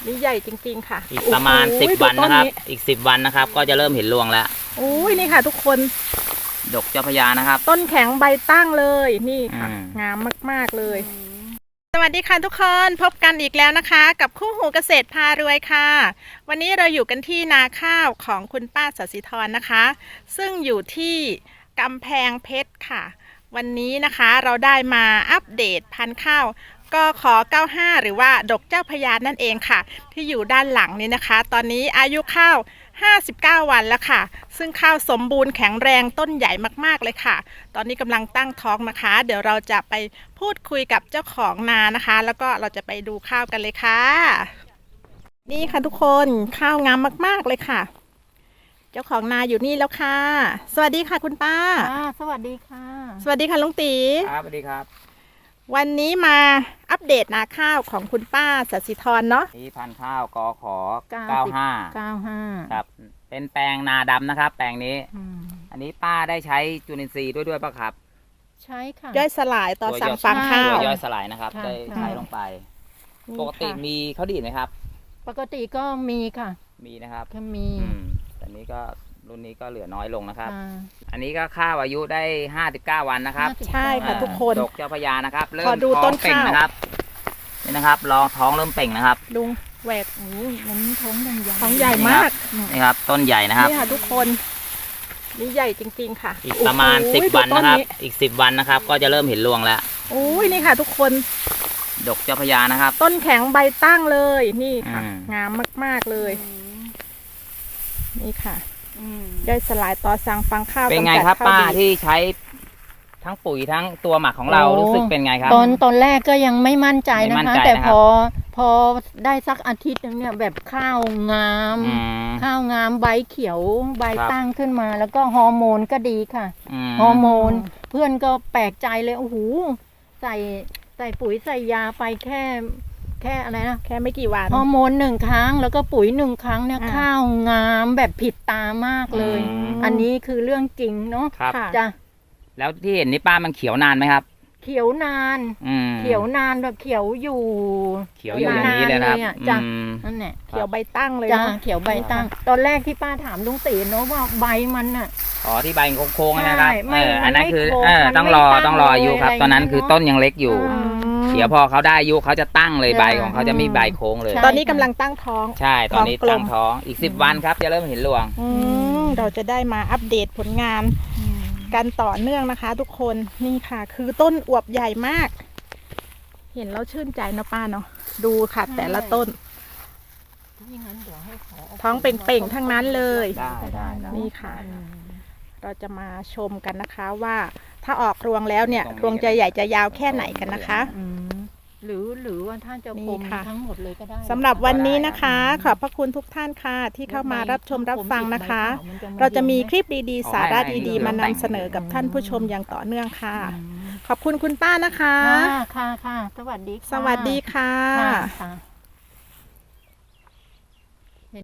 นี่ใหญ่จริงๆค่ะอีกประมาณ10 วันนะครับอีก10 วันนะครับก็จะเริ่มเห็นรวงแล้วโอ้ยนี่ค่ะทุกคนดกเจ้าพญานะครับต้นแข็งใบตั้งเลยนี่ค่ะงามมากๆเลยสวัสดีค่ะทุกคนพบกันอีกแล้วนะคะกับคู่หูเกษตรพารวยค่ะวันนี้เราอยู่กันที่นาข้าวของคุณป้าศศิธรนะคะซึ่งอยู่ที่กำแพงเพชรค่ะวันนี้นะคะเราได้มาอัปเดตพันธุ์ข้าวก็ขอ95หรือว่าดกเจ้าพญานั่นเองค่ะที่อยู่ด้านหลังนี้นะคะตอนนี้อายุข้าว59 วันแล้วค่ะซึ่งข้าวสมบูรณ์แข็งแรงต้นใหญ่มากๆเลยค่ะตอนนี้กำลังตั้งท้องนะคะเดี๋ยวเราจะไปพูดคุยกับเจ้าของนานะคะแล้วก็เราจะไปดูข้าวกันเลยค่ะนี่ค่ะทุกคนข้าวงามมากๆเลยค่ะเจ้าของนาอยู่นี่แล้วค่ะสวัสดีค่ะคุณป้าสวัสดีค่ะสวัสดีค่ะลุงตีครับสวัสดีครับวันนี้มาอัปเดตนาข้าวของคุณป้าศศิธรเนาะนี่พันธุ์ข้าวกข95ครับเป็นแปลงนาดำนะครับแปลงนี้อันนี้ป้าได้ใช้จุลินทรีย์ด้วยป่ะครับใช่ค่ะย่อยสลายต่อสั่งฟางข้าวย่อยสลายนะครับได้ใช้ลงไปปกติมีเขาดีดไหมครับปกติก็มีค่ะมีนะครับก็มีแต่นี้ก็รุ่นนี้ก็เหลือน้อยลงนะครับอันนี้ก็ข้าวอายุได้59 วันนะครับใช่ค่ะทุกคนดกเจ้าพญานะครับเริ่มท้องเป่งนะครับนี่นะครับลองท้องเริ่มเป่งนะครับลุงแหวกมันท้องยังใหญ่ท้องใหญ่มากนี่ครับต้นใหญ่นะครับนี่ค่ะทุกคนนี่ใหญ่จริงๆค่ะอีกประมาณ10 วันนะครับอีก10 วันนะครับก็จะเริ่มเห็นรวงแล้วโอ้ยนี่ค่ะทุกคนดกเจ้าพญานะครับต้นแข็งใบตั้งเลยนี่ค่ะงามมากๆเลยนี่ค่ะย่อยสลายต่อสั่งฟางข้าวเป็นไงครับป้าที่ใช้ทั้งปุ๋ยทั้งตัวหมักของเรารู้สึกเป็นไงครับตอนแรกก็ยังไม่มั่นใจนะคะแต่พอได้สักอาทิตย์นึงเนี่ยแบบข้าวงามใบเขียวใบตั้งขึ้นมาแล้วก็ฮอร์โมนก็ดีค่ะฮอร์โมนเพื่อนก็แปลกใจเลยโอ้โหใส่ปุ๋ยใส่ยาไปแค่อะไรนะแค่ไม่กี่วันฮอร์โมน1 ครั้งแล้วก็ปุ๋ย1 ครั้งเนี่ยข้าวงามแบบผิดตามากเลยอันนี้คือเรื่องจริงเนาะจ้ะแล้วที่เห็นนี่ป้ามันเขียวนานไหมครับเขียวนานแบบเขียวอยู่อย่างนี้เลยครับจ้ะนั่นแหละเขียวใบตั้งเลยจ้ะเขียวใบตั้งตอนแรกที่ป้าถามลุงตีเนาะว่าใบมันน่ะที่ใบโค้งๆนะครับอันนั้นคือต้องรออายุครับตอนนั้นคือต้นยังเล็กอยู่เดี๋ยวพอเขาได้อายุเขาจะตั้งเลยใบของเขาจะมีใบโค้งเลยตอนนี้กำลังตั้งท้องใช่ตอนนี้ตั้งท้องอีก10 วันครับจะเริ่มเห็นรวงเราจะได้มาอัปเดตผลงานกันต่อเนื่องนะคะทุกคนนี่ค่ะคือต้นอวบใหญ่มากเห็นแล้วชื่นใจนะป้าเนาะดูค่ะแต่ละต้นท้องเป่งๆทั้งนั้นเลยนี่ค่ะเราจะมาชมกันนะคะว่าถ้าออกรวงแล้วเนี่ยรวงจะใหญ่จะยาวแค่ไหนกันนะคะหรือว่าท่านจะคมทั้งหมดเลยก็ได้สำหรับวันนี้นะคะขอบพระคุณทุกท่านค่ะที่เข้ามารับชมรับฟังนะคะเราจะมีคลิปดีๆสาระดีๆมานำเสนอกับท่านผู้ชมอย่างต่อเนื่องค่ะขอบคุณคุณป้านะคะค่ะสวัสดีค่ะ